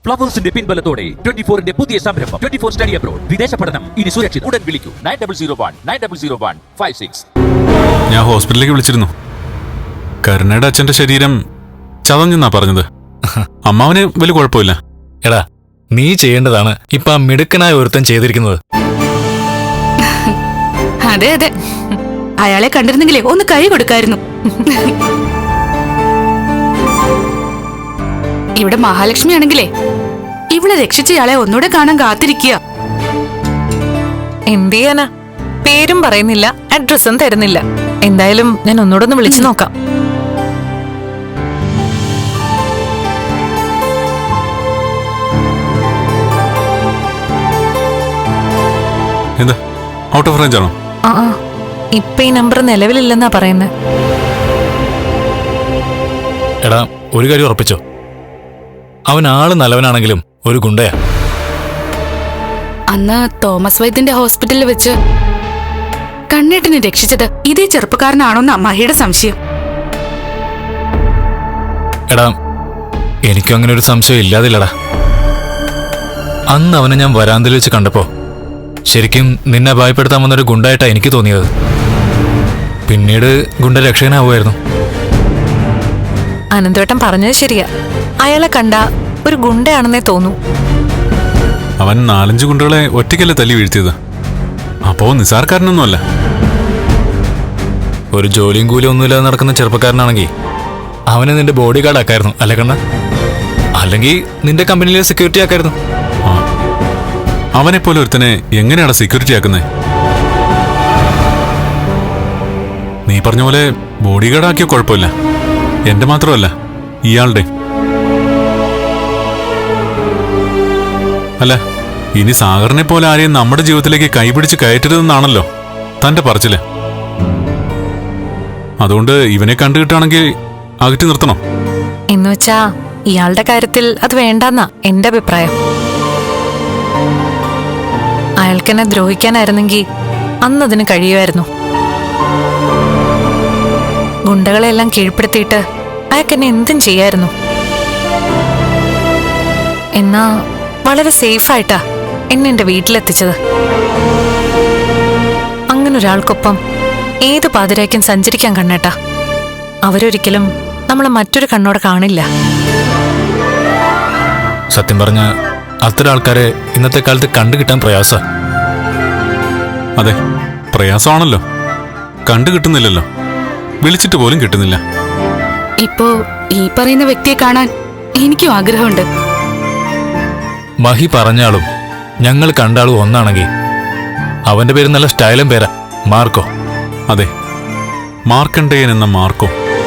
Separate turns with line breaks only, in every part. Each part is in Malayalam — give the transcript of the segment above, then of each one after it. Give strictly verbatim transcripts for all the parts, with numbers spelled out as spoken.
ഫ്ലവേഴ്സിന്റെ പിൻബലത്തോടെ ട്വന്റി ഫോറിന്റെ പുതിയ സംരംഭം ട്വന്റി ഫോർ സ്റ്റഡി അബ്രോഡ്. വിദേശ പഠനം ഇനി സുരക്ഷിത്. ഉടൻ വിളിക്കൂ nine double zero one nine double zero one five six.
ഞാൻ ഹോസ്പിറ്റലിലേക്ക് വിളിച്ചിരുന്നു. കരുണയുടെ അച്ഛന്റെ ശരീരം ചതഞ്ഞെന്നാ പറഞ്ഞത്. അമ്മാവന് വലിയ കുഴപ്പമില്ല.
എടാ, നീ ചെയ്യേണ്ടതാണ് ഇപ്പൊ ആ മിടുക്കനായ ഒരുത്തൻ ചെയ്തിരിക്കുന്നത്.
അതെ അതെ, അയാളെ കണ്ടിരുന്നെങ്കിലേ ഒന്ന് കൈ കൊടുക്കായിരുന്നു. ഇവിടെ മഹാലക്ഷ്മി ആണെങ്കിലേ ഇവിടെ രക്ഷിച്ചയാളെ ഒന്നുകൂടെ കാണാൻ കാത്തിരിക്കുക.
എന്ത് ചെയ്യാനാ, പേരും പറയുന്നില്ല, അഡ്രസ്സും തരുന്നില്ല. എന്തായാലും ഞാൻ ഒന്നുകൂടെ ഒന്ന് വിളിച്ചു നോക്കാം.
എന്താ ഔട്ട് ഓഫ് റേഞ്ച് ആണോ?
ആ ആ ഇപ്പൊ ഈ നമ്പർ നിലവിലില്ലെന്നാ പറയുന്നത്.
എടാ, ഒരു കാര്യം ഉറപ്പിച്ചോ, അവൻ ആള് നല്ലവനാണെങ്കിലും ഒരു ഗുണ്ടയാ.
അന്ന് തോമസ് വൈദ്യന്റെ ഹോസ്പിറ്റലിൽ വെച്ച് കണ്ണേട്ടനെ രക്ഷിച്ചത് ഇതേ ചെറുപ്പക്കാരനാണോന്നാ മഹിയുടെ സംശയം.
എടാ, എനിക്കും അങ്ങനെ ഒരു സംശയം ഇല്ലാതില്ലടാ. അന്ന് അവനെ ഞാൻ വരാന്തയിൽ വെച്ച് കണ്ടപ്പോ ശരിക്കും നിന്നെ ഭയപ്പെടുത്താൻ വന്നൊരു ഗുണ്ടായിട്ടാ എനിക്ക് തോന്നിയത്. പിന്നീട് ഗുണ്ട രക്ഷകനാവുമായിരുന്നു.
അനന്തവേട്ടൻ പറഞ്ഞത് ശരിയാ, അയാളെ കണ്ട ഒരു ഗുണ്ടയാണെന്നേ തോന്നൂ.
അവൻ നാലഞ്ച് ഗുണ്ടകളെ ഒറ്റയ്ക്കല്ലേ തല്ലി വീഴ്ത്തിയത്. അപ്പോ നിസാർക്കാരനൊന്നുമല്ല.
ഒരു ജോലിയും കൂലിയും ഒന്നുമില്ലാതെ നടക്കുന്ന ചെറുപ്പക്കാരനാണെങ്കിൽ അവനെ നിന്റെ ബോഡി ഗാർഡ് ആക്കായിരുന്നു അല്ലേ കണ്ണ? അല്ലെങ്കിൽ നിന്റെ കമ്പനിയിലെ സെക്യൂരിറ്റി ആക്കായിരുന്നു.
അവനെപ്പോലെ ഒരുത്തനെ എങ്ങനെയാണ് സെക്യൂരിറ്റി ആക്കുന്നത്? നീ പറഞ്ഞ പോലെ ബോഡി ഗാർഡ് ആക്കിയ കുഴപ്പമില്ല. എന്റെ മാത്രമല്ല, ഇയാളുടെ. അല്ല, ഇനി സാഗറിനെ പോലെ ആരെയും നമ്മുടെ ജീവിതത്തിലേക്ക് കൈപിടിച്ച് കയറ്റരുതെന്നാണല്ലോ തന്റെ പറച്ചില്. അതുകൊണ്ട് ഇവനെ കണ്ടുകിട്ടാണെങ്കിൽ അകറ്റി നിർത്തണം.
എന്നുവെച്ചാ ഇയാളുടെ കാര്യത്തിൽ അത് വേണ്ടെന്നാ എന്റെ അഭിപ്രായം. അയാൾക്കെന്നെ ദ്രോഹിക്കാനായിരുന്നെങ്കിൽ അന്നതിന് കഴിയുമായിരുന്നു. ഗുണ്ടകളെല്ലാം കീഴ്പ്പെടുത്തിയിട്ട് അയാൾക്കെന്നെ എന്തും ചെയ്യായിരുന്നു. എന്നാ വളരെ സേഫായിട്ടാ എന്നെ എന്റെ വീട്ടിലെത്തിച്ചത്. അങ്ങനൊരാൾക്കൊപ്പം ഏത് പാതിരായ്ക്കും സഞ്ചരിക്കാൻ കണ്ണേട്ടാ. അവരൊരിക്കലും നമ്മളെ മറ്റൊരു കണ്ണോടെ കാണില്ല.
സത്യം പറഞ്ഞ അത്തരം ആൾക്കാരെ ഇന്നത്തെ കാലത്ത് കണ്ടുകിട്ടാൻ പ്രയാസ.
അതെ, പ്രയാസമാണല്ലോ. കണ്ടു കിട്ടുന്നില്ലല്ലോ, വിളിച്ചിട്ട് പോലും കിട്ടുന്നില്ല.
ഇപ്പോ ഈ പറയുന്ന വ്യക്തിയെ കാണാൻ എനിക്കും ആഗ്രഹമുണ്ട്.
മഹി പറഞ്ഞാളും ഞങ്ങൾ കണ്ടാളും ഒന്നാണെങ്കിൽ അവന്റെ പേര് നല്ല സ്റ്റൈലും പേരാ, മാർക്കോ.
അതെ, മാർക്കണ്ടേയൻ എന്ന മാർക്കോ.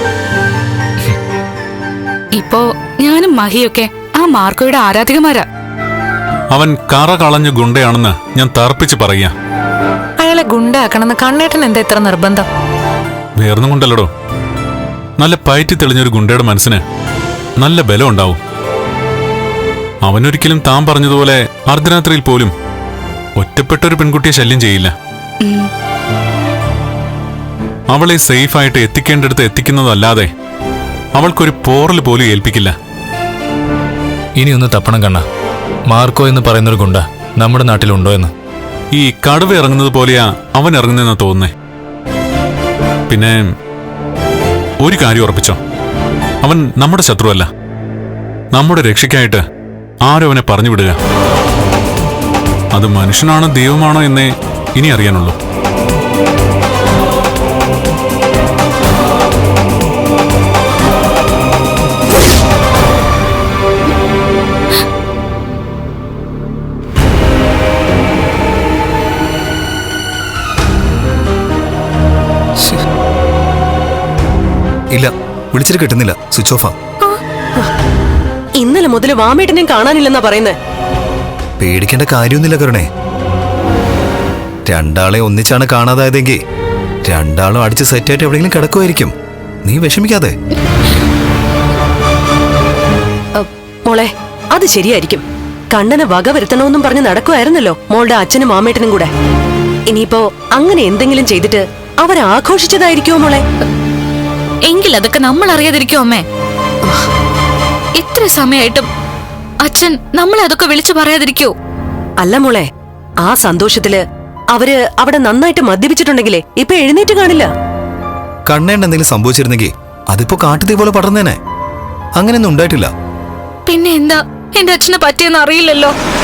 ഇപ്പോ ഞാനും മഹിയൊക്കെ ആ മാർക്കോയുടെ ആരാധികമാരാ.
അവൻ കറ കളഞ്ഞ ഗുണ്ടയാണെന്ന് ഞാൻ തർപ്പിച്ച് പറയാ.
അയാളെ ഗുണ്ടാക്കണമെന്ന് കണ്ണേട്ടൻ എന്താ ഇത്ര നിർബന്ധം?
വേർന്നും കൊണ്ടല്ലടോ, നല്ല പയറ്റി തെളിഞ്ഞൊരു ഗുണ്ടയുടെ മനസ്സിന് നല്ല ബലം ഉണ്ടാവും. അവനൊരിക്കലും താൻ പറഞ്ഞതുപോലെ അർദ്ധരാത്രിയിൽ പോലും ഒറ്റപ്പെട്ടൊരു പെൺകുട്ടിയെ ശല്യം ചെയ്യില്ല. അവളെ സേഫായിട്ട് എത്തിക്കേണ്ടടുത്ത് എത്തിക്കുന്നതല്ലാതെ അവൾക്കൊരു പോറൽ പോലും ഏൽപ്പിക്കില്ല.
ഇനി ഒന്ന് തപ്പണം കണ്ണ, മാർക്കോ എന്ന് പറയുന്നൊരു ഗുണ്ട നമ്മുടെ നാട്ടിലുണ്ടോ എന്ന്.
ഈ കടുവ ഇറങ്ങുന്നത് പോലെയാ അവൻ ഇറങ്ങുന്നതെന്നാ തോന്നുന്നേ. പിന്നെ ഒരു കാര്യം ഉറപ്പിച്ചോ, അവൻ നമ്മുടെ ശത്രുവല്ല. നമ്മുടെ രക്ഷയ്ക്കായിട്ട് ആരും അവനെ പറഞ്ഞു വിടുക. അത് മനുഷ്യനാണോ ദൈവമാണോ എന്നേ ഇനി അറിയാനുള്ളൂ.
ഇല്ല, വിളിച്ചിട്ട് കിട്ടുന്നില്ല, സ്വിച്ച് ഓഫാ.
ഇന്നലെ മുതൽ വാമേട്ടനെയും കാണാനില്ലെന്നാ പറയുന്നേ.
പേടിക്കേണ്ട കാര്യമൊന്നുമില്ല കരുണേ. രണ്ടാളെ ഒന്നിച്ചാണ് കാണാതായതെങ്കിൽ രണ്ടാളും അടിച്ച് സെറ്റായിട്ട് എവിടെയെങ്കിലും കിടക്കുമായിരിക്കും. നീ വിഷമിക്കാതെ.
മോളെ, അത് ശരിയായിരിക്കും. കണ്ണനെ വക വരുത്തണമെന്നും പറഞ്ഞ് നടക്കുമായിരുന്നല്ലോ മോളുടെ അച്ഛനും മാമേട്ടനും കൂടെ. ഇനിയിപ്പോ അങ്ങനെ എന്തെങ്കിലും ചെയ്തിട്ട് അവരാഘോഷിച്ചതായിരിക്കുമോ മോളെ?
എങ്കിൽ അതൊക്കെ നമ്മൾ അറിയാതിരിക്കോ അമ്മേ? ഇത്ര സമയമായിട്ടും അച്ഛൻ നമ്മളെ അതൊക്കെ വിളിച്ചു പറയാതിരിക്കോ?
അല്ല മോളെ, ആ സന്തോഷത്തില് അവര് അവിടെ നന്നായിട്ട് മദ്യപിച്ചിട്ടുണ്ടെങ്കിലേ ഇപ്പൊ എഴുന്നേറ്റ് കാണില്ല.
കണ്ണേണ്ട എന്തെങ്കിലും സംഭവിച്ചിരുന്നെങ്കിൽ അതിപ്പോ കാട്ടുതീ പോലെ പടർന്നേനെ. അങ്ങനെയൊന്നും ഉണ്ടായിട്ടില്ല.
പിന്നെ എന്താ എന്റെ അച്ഛനെ പറ്റിയെന്ന് അറിയില്ലല്ലോ.